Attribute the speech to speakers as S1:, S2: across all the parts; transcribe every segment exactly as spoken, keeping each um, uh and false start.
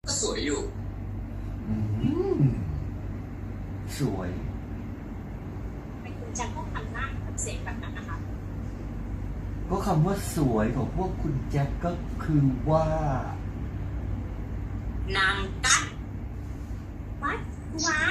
S1: ก็สวยอยู่
S2: อืมสวย
S3: เป็นคุณแจ็คต้องทำหน้ากับเสียงแบบนั้นนะคะ
S2: ก็คำว่าสวยของพวกคุณแจ็คก็คือว่า
S3: นางกั้นวัดว้า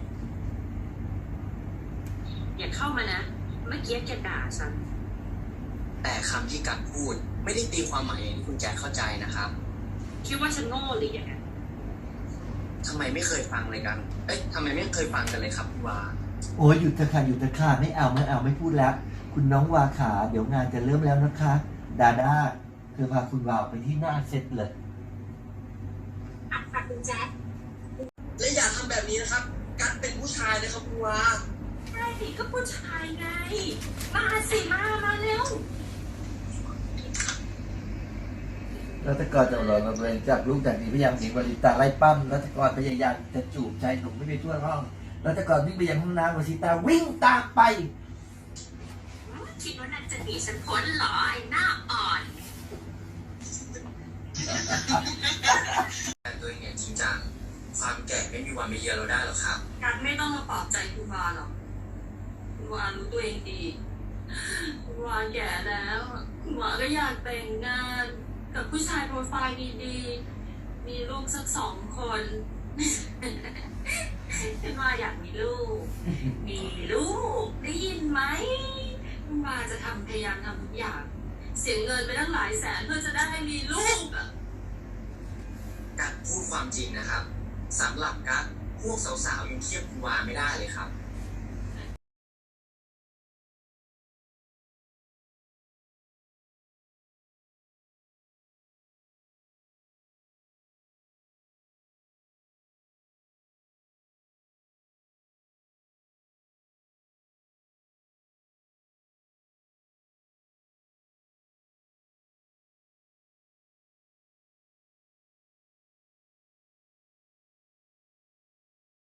S3: อย่าเข้ามานะ เมื่อกี้แกด่าฉัน
S1: แต่คำที่กัดพูดไม่ได้ตีความหมายอย่างที่คุณแจ็คเข้าใจนะครับ
S3: คิดว่าฉันโง่หรือยังไง
S1: ทำไมไม่เคยฟังเลยกัน เอ๊ะทำไมไม่เคยฟังกันเลยครับคุณวา
S2: โอ้ยหยุดเถอะค่ะหยุดเถอะค่ะไม่เอาไม่เอาไม่พูดแล้ว คุณน้องวาขาเดี๋ยวงานจะเริ่มแล้วนะคะ ดาด้าเธอพาคุณวาวไปที่หน้าเซตเลย
S3: อ่ะค่ะคุณแจ็ค
S1: และอย่าทำแบบนี้นะครับ กัดเป็นผู้ชายนะครับคุณวา
S3: ใช่ก็ผู้ชายไง มาสิมา มาเร็ว
S2: รัตกรจำลองตัวเองจับลูกจากนี้พยายามหนีบริตาไล่ปั้มรัตกรพยายามจะจูบชายหนุ่มไม่ไปทั่วห้องรัตกรวิ่งไปยังห้องน้ำวชิตาวิ่งตามไป
S3: คิดว่านางจะหนีฉันพ้นเหรอไอ้หน้าอ่อน
S1: แต่ตัวเองเนี่ยจริงจังความแก่ไม่มีวันมาเยือนเราได้หรอกครับ
S3: การไม่ต้องมาปลอบใจคุณวาหรอกคุณวารู้ตัวเองดี คุณวาแก่แล้วคุณวาก็อยากแต่งงาน กับผู้ชายโปรไฟล์ดีๆ มีลูกสักสองคนคุณวาอยากมีลูก มีลูกได้ยินไหมคุณวาจะทำพยายามทำทุกอย่าง เสียเงินไปตั้งหลายแสนเพื่อจะได้มีลูกอะ
S1: กัดพูดความจริงนะครับสำหรับกัดพวกสาวๆยังเทียบคุณวาไม่ได้เลยครับ